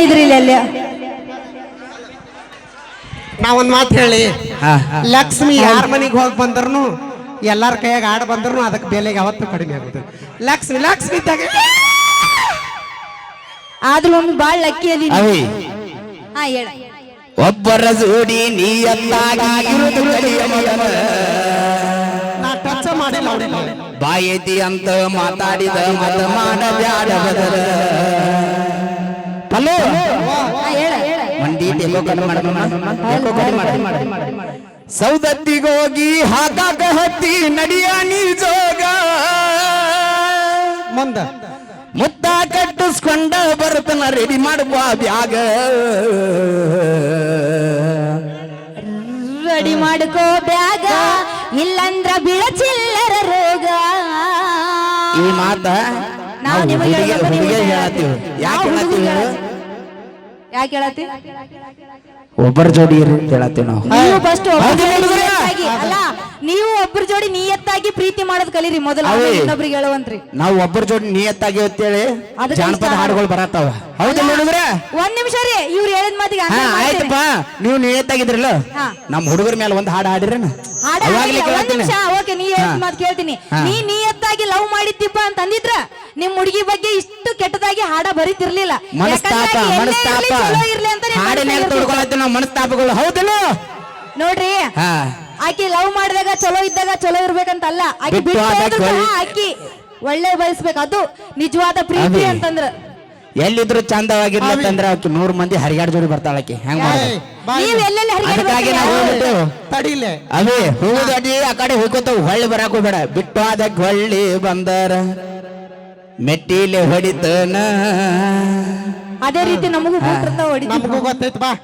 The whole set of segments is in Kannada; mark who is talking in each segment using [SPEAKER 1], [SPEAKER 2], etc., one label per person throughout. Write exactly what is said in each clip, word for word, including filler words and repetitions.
[SPEAKER 1] ಹೇಳಿದ್ರಿ ಇಲ್ಲಿ ಅಲ್ಲಿ
[SPEAKER 2] ನಾವೊಂದ್ ಮಾತು ಹೇಳಿ ಲಕ್ಷ್ಮಿ ಯಾರ ಮನೆಗೆ ಹೋಗಿ ಬಂದ್ರು ಎಲ್ಲಾರ ಕೈಯಾಗ ಆಡ ಬಂದ್ರು ಅದಕ್ಕೆ ಬೆಲೆಗೆ ಯಾವತ್ತೂ ಕಡಿಮೆ ಆಗುತ್ತೆ. ಲಕ್ಷ್ಮಿ ಲಕ್ಷ್ಮಿ
[SPEAKER 1] ಆದ್ರೂ ಒಮ್ಮೆ ಬಾಳ್ ಲಕ್ಕಿ ಅದಿ ಹಾ ಹೇಳ
[SPEAKER 3] ಒಬ್ಬರ ಜೋಡಿ ನೀಯತ್ತಾಗಿ ಇರುವುದು ಕಲಿಯ ಮಗನ
[SPEAKER 2] ನಾ ಟಚ್ ಮಾಡಿಲ್ಲ ಅವ್ರಿಗೆ
[SPEAKER 3] ಬಾಯೈತಿ ಅಂತ ಮಾತಾಡಿದ ಮತ ಮಾಡಬ್ಯಾಡ ಬದರ ಹಲೋ ಮಂದಿ ಟೆಕೋ ಕಟ್ ಮಾಡ ಸೌದತ್ತಿಗೋಗಿ ಹಾಕಾಕ ಹತ್ತಿ ನಡಿಯ ನೀ ಜೋಗ
[SPEAKER 2] ಮುಂದ
[SPEAKER 3] ಮುತ್ತ ಕಟ್ಟಿಸ್ಕೊಂಡ ಬರ್ತನ ರೆಡಿ ಮಾಡುವ ಬ್ಯಾಗ
[SPEAKER 1] ರೆಡಿ ಮಾಡ್ಕೋ ಬ್ಯಾಗ ಇಲ್ಲಂದ್ರ ಬಿಳ ಚಿಲ್ಲರ ರೋಗ.
[SPEAKER 3] ಈ ಮಾತ
[SPEAKER 1] ನಾವು ನಿಮಗೆ
[SPEAKER 3] ಹೇಳತ್ತೀವಿ. ಯಾಕೆ ಹೇಳತ್ತೀವಿ?
[SPEAKER 1] ಯಾಕೆ ಹೇಳತ್ತಿ?
[SPEAKER 3] ಒಬ್ಬರ ಜೋಡಿ ಇರಿ ಅಂತ ಹೇಳತ್ತೀವಿ ನಾವು.
[SPEAKER 1] ನೀವು ಫಸ್ಟ್ ಅಲ್ಲ ನೀವು ಒಬ್ಬರ ಜೋಡಿ ನಿಯತ್ತಾಗಿ ಪ್ರೀತಿ ಮಾಡೋದ್ ಕಲೀರಿ ಮೊದಲು, ಇನ್ನೊಬ್ರಿಗೆ ಹೇಳುವಂತ್ರಿ.
[SPEAKER 3] ನಾವು ಒಬ್ಬರ ಜೋಡಿ ನಿಯತ್ತಾಗಿ ಅಂತೇಳಿ ಜಾನಪದ ಹಾಡುಗಳು ಬರತ್ತಾವ. ಹೌದಲ್ಲ ಹುಡುಗ್ರ?
[SPEAKER 1] ಒಂದ್ ನಿಮಿಷ ರೀ, ಇವ್ರು ಹೇಳಿದ ಮಾತಿಗೆ
[SPEAKER 3] ಆಯ್ತಪ್ಪ. ನೀವು ನಿಯತ್ತಾಗಿದ್ರಲ್ಲ ನಮ್ಮ ಹುಡುಗರ ಮೇಲೆ ಒಂದ್ ಹಾಡು ಹಾಡಿರ
[SPEAKER 1] ಓಕೆ. ನೀ ಹೇಳಿದ ಮಾತು ಕೇಳ್ತೀನಿ. ನೀ ನಿಯತ್ತಾಗಿ ಲವ್ ಮಾಡಿದ್ದೀಪ ಅಂತ ಅಂದಿದ್ರ ನಿಮ್ ಹುಡುಗಿ ಬಗ್ಗೆ ಇಷ್ಟು ಕೆಟ್ಟದಾಗಿ ಹಾಡ ಬರೀತಿರ್ಲಿಲ್ಲ.
[SPEAKER 3] ಮನಸ್ತಾಪ ಮನಸ್ತಾಪ ಹಾಡಿನ ತೊಡ್ಕೊಳತ್ತೀವಿ ನಾವು ಮನಸ್ತಾಪಗಳು. ಹೌದಲ್ಲ
[SPEAKER 1] ನೋಡ್ರಿ, ಆಕಿ ಲವ್ ಮಾಡಿದಾಗ ಚಲೋ ಇದ್ದಾಗ ಚಲೋ ಇರ್ಬೇಕಂತಲ್ಲ, ಆಕಿ ಬಿಟ್ಟು ಆಕಿ ಒಳ್ಳೆ ಬಯಸ್ಬೇಕು. ಅದು ನಿಜವಾದ ಪ್ರೀತಿ ಅಂತಂದ್ರ
[SPEAKER 3] ಎಲ್ಲಿದ್ರು ಚಂದವಾಗಿರ್ಲತ್ತಂದ್ರ ಆಕಿ ನೂರ್ ಮಂದಿ ಹರಿಗಾಡ್ ಜೋಡಿ ಬರ್ತಾಳಕಿ. ಹೆಂಗ್ ಅದಕ್ಕಾಗಿ ನಾವು
[SPEAKER 2] ತಡಿಲೆ
[SPEAKER 3] ಅವೇ ಹೂದಡಿ ಆ ಕಡೆ ಹೋಗ್ಕೋತಾವ. ಹೊಳ್ಳಿ ಬರಾಕ ಹೋಗ್ಬೇಡ. ಬಿಟ್ಟು ಅದಕ್ಕೆ ಹೊಳ್ಳಿ ಬಂದರ ಮೆಟ್ಟಿಲೆ ಹೊಡಿತನ.
[SPEAKER 1] ಅದೇ ರೀತಿ ನಮಗೂ
[SPEAKER 2] ನಮಗೂ ಗೊತ್ತೈತ್ ಬಾ.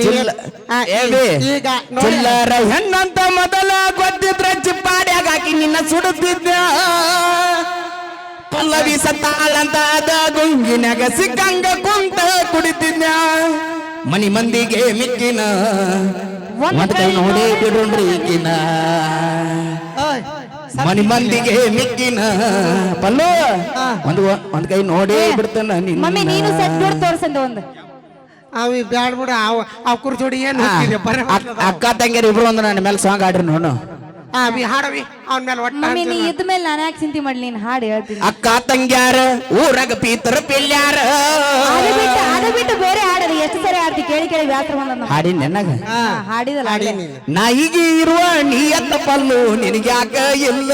[SPEAKER 3] ಚಿಲ್ಲರ ಹೆಣ್ಣಂತ ಮೊದಲ ಗೊತ್ತಿದ್ರ ಚಿಪ್ಪಾಡ್ಯಾಗ ಹಾಕಿ ನಿನ್ನ ಸುಡುತ್ತಿದ್ದ. ಪಲ್ಲವಿ ಸತ್ತಾಳಂತ ಅದ ಗುಂಗಿನಾಗ ಸಿಕ್ಕಂಗ ಕುಂಟ ಕುಡಿತಿದ್ದ. ಮನಿ ಮಂದಿಗೆ ಮಿಕ್ಕಿನ ಒಂದ್ ಕೈ ನೋಡಿ ಬಿಡುಣ್ರಿ ಈಗಿನ. ಮನಿ ಮಂದಿಗೆ ಮಿಕ್ಕಿನ ಪಲ್ಲು ಒಂದ್ ಒಂದ್ ಕೈ ನೋಡಿ ಬಿಡ್ತಾನ.
[SPEAKER 1] ಮಮ್ಮಿ ನೀನು ಸೆಟ್ ನೋಡಿ ತೋರ್ಸಂದ ಒಂದು
[SPEAKER 2] ಅವಿ ಬ್ಯಾಡ್ ಬಿಡ. ಅವ್ರ ಜೋಡಿ ಏನು
[SPEAKER 3] ಅಕ್ಕ ತಂಗಿಯರ್ ಇಬ್ರು ಒಂದು ನನ್ನ ಮೇಲೆ ಸಾಂಗ್ ಆಡ್ರಿ ನೋಡು.
[SPEAKER 2] ಹಾಡವಿ ಅವನ ಮೇಲೆ ಒಟ್ಟ
[SPEAKER 1] ಮಮ್ಮಿ ನೀ ಇದ್ದ ಮೇಲೆ ನಾನು ಯಾಕೆ ಚಿಂತೆ ಮಾಡ್ಲಿ, ನೀನ್ ಹಾಡು ಹೇಳ್ತೀನಿ.
[SPEAKER 3] ಅಕ್ಕ ತಂಗ್ಯಾರ ಊರಾಗ ಪೀತರ ಪಿಲ್ಯಾರ
[SPEAKER 1] ಅದು ಬಿಟ್ಟು ಅದು ಬಿಟ್ಟು ಬೇರೆ ಹಾಡೋದು ಎಷ್ಟು ಸರಿ ಆಡ್ತಿ ಕೇಳಿ ಕೇಳಿ ವ್ಯಾಸರ ಬಂದ
[SPEAKER 3] ಹಾಡಿ ನೆನಗ
[SPEAKER 1] ಹಾಡಿದಲ್ಲ.
[SPEAKER 3] ನಾಯಿಗೆ ಇರುವ ನೀಯತ್ತ ಪಲ್ಲು ನಿನಗ್ಯಾಕ ಇಲ್ಲ.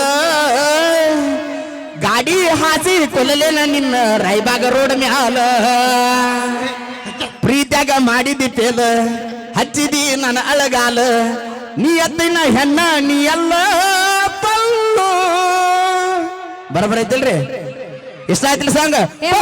[SPEAKER 3] ಗಾಡಿ ಹಾಸಿ ಕೊಲ್ಲಲೇನ ನಿನ್ನ ರಾಯಬಾಗ ರೋಡ್ ಮ್ಯಾಲ. ಪ್ರೀತ್ಯಾಗ ಮಾಡಿದಿ ಪೇಲ ಹಚ್ಚಿದಿ ನನ್ನ ಅಳಗಾಲ. ನೀ ಎತ್ತಿನ ಹೆಣ್ಣ ನೀ ಎಲ್ಲ ಪಲ್ಲು. ಬರಬರ ಐತಿಲ್ರಿ? ಇಷ್ಟ ಆಯ್ತಿಲ್ಲ ಸಾಂಗ್?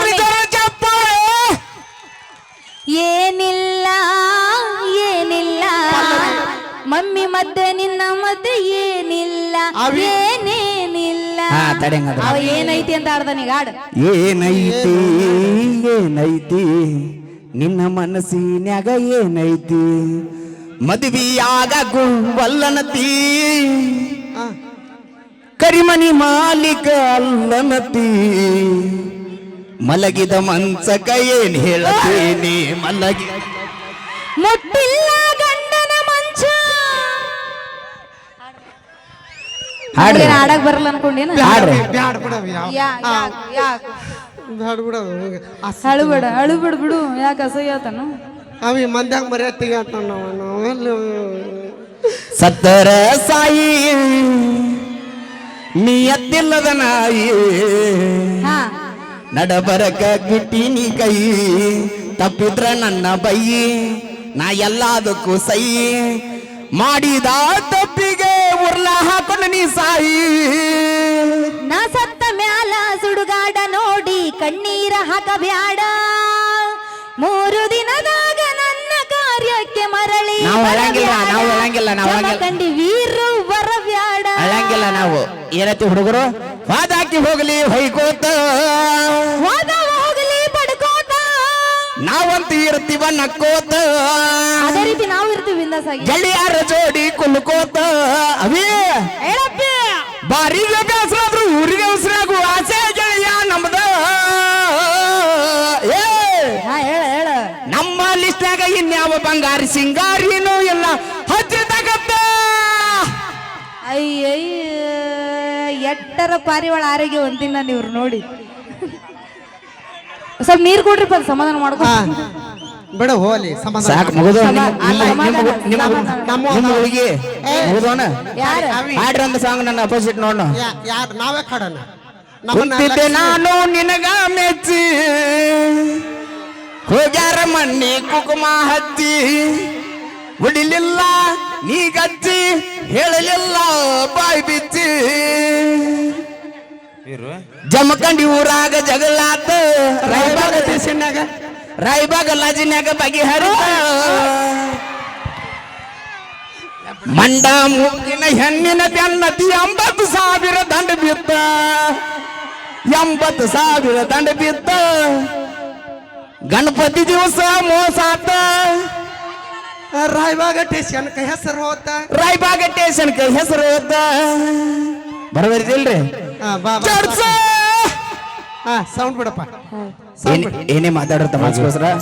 [SPEAKER 1] ಏನಿಲ್ಲ ಏನಿಲ್ಲ ಮಮ್ಮಿ ಮದ್ದೆ ನಿನ್ನ ಮದ್ದೆ ಏನಿಲ್ಲ ಏನೇನಿಲ್ಲ. ಅವ ಏನೈತಿ ಅಂತ ಆಡ್ದಾನೀಗ ಹಾಡು.
[SPEAKER 3] ಏನೈತಿ ಏನೈತಿ ನಿನ್ನ ಮನಸ್ಸಿನ್ಯಾಗ ಏನೈತಿ. ಮದುವೆಯಾಗ ಗುವಲ್ಲನತಿ ಕರಿಮನಿ ಮಾಲೀಕ ಅಲ್ಲನತಿ. ಮಲಗಿದ ಮನ್ಸಕ ಏನ್ ಹೇಳತೇನೆ ಮಲಗಿ
[SPEAKER 1] ಮುಟ್ಟಿಲ್ಲ ಗಂಡನ ಮಂಚ.
[SPEAKER 3] ಹಾಡ್ರಿ
[SPEAKER 1] ಹಾಡಕ್ ಬರಲ್ಲ ಅನ್ಕೊಂಡೇನ?
[SPEAKER 3] ಹಾಡ್ರಿ
[SPEAKER 1] ಅಳುಬೇಡ ಅಳುಬೇಡ ಬಿಡು. ಯಾಕೆ ಅಸಹ್ಯ ಆತನು?
[SPEAKER 2] ಅವಿ ಮಂದ್ಯಾಗ ಮರ್ಯಾತಿಗೆ ಆತ ನಾವು
[SPEAKER 3] ಸತ್ತರ ಸಾಯಿ ನೀ ಎತ್ತಿಲ್ಲದ ನಾಯಿ. ನಡಬರಕ ಗಿಟ್ಟಿನಿ ಕೈ ತಪ್ಪಿದ್ರ ನನ್ನ ಬೈ. ನಾ ಎಲ್ಲದಕ್ಕೂ ಸೈ ಮಾಡಿದ ತಪ್ಪಿಗೆ ಉರ್ಲ ಹಾಕೊಂಡು ನೀ ಸಾಯಿ.
[SPEAKER 1] ನಾ ಸತ್ತ ಮ್ಯಾಲ ಸುಡುಗಾಡ ನೋಡಿ ಕಣ್ಣೀರ ಹಾಕಬ್ಯಾಡ. ಮೂರು ದಿನದಾಗ ನನ್ನ ಕಾರ್ಯಕ್ಕೆ ಮರಳಿ
[SPEAKER 3] ನಾವು ಅಳಂಗಿಲ್ಲ ನಾವು ಅಳಂಗಿಲ್ಲ ನಾವು
[SPEAKER 1] ಕಂಡಿ ವೀರು ಬರಬ್ಯಾಡ.
[SPEAKER 3] ಅಳಂಗಿಲ್ಲ ನಾವು ಏನೈತಿ ಹುಡುಗರು ವಾದಾಕಿ ಹೋಗ್ಲಿ ಹೊಯ್ಕೋತ
[SPEAKER 1] ವಾದ ಹೋಗ್ಲಿ ಬಡ್ಕೋತ
[SPEAKER 3] ನಾವಂತ ಇರ್ತೀವ ನಕ್ಕೋತ.
[SPEAKER 1] ಅದೇ ರೀತಿ ನಾವು ಇರ್ತೀವಿ ಬಿಂದಾಸಾಗಿ.
[SPEAKER 3] ಗೆಳೆಯರ ಜೋಡಿ ಕುಲ್ಕೋತ ಅವೇ
[SPEAKER 1] ಹೇಳಪ್ಪ
[SPEAKER 3] ಬಾರಿಗೆ ಬೇಸರಾದ್ರು ಊರಿಗೆ ಉಸಿರಾಗು ಆಸೆ ಗೆಳೆಯ ನಮ್ದ.
[SPEAKER 1] ಹೇಳ ಹೇಳ
[SPEAKER 3] ಇನ್ಯಾವ ಬಂಗಾರಿ ಸಿಂಗಾರಿನೂ ಇಲ್ಲ ಹಚ್ಚಿದಾಗತ್ತ
[SPEAKER 1] ಅಯ್ಯಯ್ಯ ಎಟ್ಟರ ಪಾರಿವಾಳ ಆರೋಗ್ಯ ಒಂದಿನ ನೀವ್ರು ನೋಡಿ ಸ್ವಲ್ಪ ನೀರ್ ಕೊಡ್ರಿಪ್ಪ ಅದ್ ಸಮಾಧಾನ ಮಾಡ್ಕೊ
[SPEAKER 2] ಹಾ ಬಿಡು ಹೋಲಿ ಸಮಾಧಾನ
[SPEAKER 3] ಸಾಕು ಮುಗಿದು
[SPEAKER 2] ನಮ್ಮ
[SPEAKER 3] ನಿಮ್ಮ ಹುಡುಗಿ ಮುಗಿದೋಣ
[SPEAKER 1] ಯಾರು
[SPEAKER 2] ಅವಿ
[SPEAKER 3] ಹಾಡ್ರಿ ಒಂದು ಸಾಂಗ್ ನನ್ನ ಅಪೋಸಿಟ್ ನೋಡೋಣ
[SPEAKER 2] ಯಾ- ಯಾರ್ ನಾವೇ ಕಾಡೋಣ ನಮ್ಮನ್ನ
[SPEAKER 3] ಕುಂತಿದ್ದೆ
[SPEAKER 2] ಲಕ್ಷ್ಮಿ-
[SPEAKER 3] ನಾನು ನಿನಗ ಮೆಚ್ಚಿ ಹೋಗ್ಯಾರ ಮಣ್ಣಿ ಕುಕುಮ ಹಚ್ಚಿ ಉಡಿಲಿಲ್ಲ ನೀ ಗಚ್ಚಿ ಹೇಳಲಿಲ್ಲ ಬಾಯ್ ಬಿಚ್ಚಿ ಜಮಖಂಡಿ ಊರಾಗ ಜಗಳಾತ ರಾಯಬಾಗ
[SPEAKER 2] ದೇಶನ್ಯಾಗ
[SPEAKER 3] ರಾಯಬಾಗ ಲಾಜಿನ್ಯಾಗ ಬಗೆಹರಿತ ಮಂಡ ಮೂಗಿನ ಹೆಣ್ಣಿನ ಬೆನ್ನತಿ ಎಂಬತ್ತು ಸಾವಿರ ದಂಡ ಬಿತ್ತ ಎಂಬತ್ತು ಸಾವಿರ ದಂಡ ಬಿತ್ತ ಗಣಪತಿ ದಿವಸ ಮೋಸಾತ
[SPEAKER 2] ರಾಯಬಾಗ ಸ್ಟೇಷನ್ ಕೈ ಹೆಸರು ಹೋತ
[SPEAKER 3] ರಾಯಬಾಗ ಸ್ಟೇಷನ್ ಹೆಸರು ಹೋತ ಬರಬರಿದಿಲ್ರಿ
[SPEAKER 2] ಹಾ ಬಾ ಬಾ.
[SPEAKER 3] ಚರ್ಚ
[SPEAKER 2] ಹಾ ಸೌಂಡ್ ಬಿಡಪ್ಪ
[SPEAKER 3] ಏನೇ ಮಾತಾಡ್ರ ತಮಾಸ್ಗೋಸ್ಕರ